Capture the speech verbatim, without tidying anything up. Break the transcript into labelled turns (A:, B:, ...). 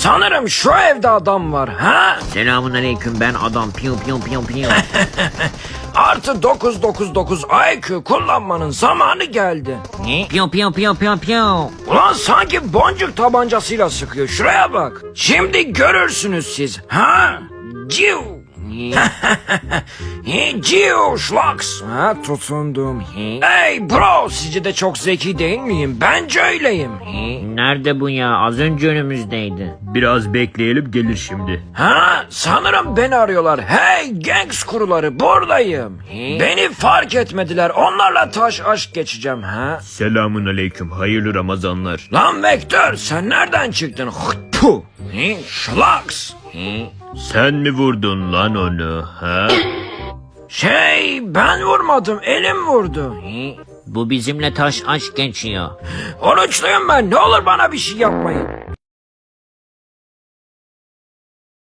A: Sanırım şu evde adam var. Ha?
B: Selamun aleyküm, ben adam. Piyo piyo piyo piyo.
A: Artı dokuz dokuz dokuz I Q kullanmanın zamanı geldi.
B: Ne? Piyo piyo piyo piyo piyo.
A: Ulan sanki boncuk tabancasıyla sıkıyor. Şuraya bak. Şimdi görürsünüz siz. Ha? Ciu. Ciu Schlax. Ha, tutundum. Hey bro, sizce de çok zeki değil miyim? Bence öyleyim.
B: Nerede bu ya? Az önce önümüzdeydi.
C: Biraz bekleyelim, gelir şimdi.
A: Ha, sanırım beni arıyorlar. Hey gangs kuruları, buradayım. Beni fark etmediler. Onlarla taş aşk geçeceğim. Ha?
C: Selamun aleyküm, hayırlı Ramazanlar.
A: Lan Vektör, sen nereden çıktın? Puh. Schlax.
C: Sen mi vurdun lan onu, ha?
A: Şey, ben vurmadım, elim vurdu.
B: Bu bizimle taş aşk geçiyor.
A: Oruçluyum ben, ne olur bana bir şey yapmayın.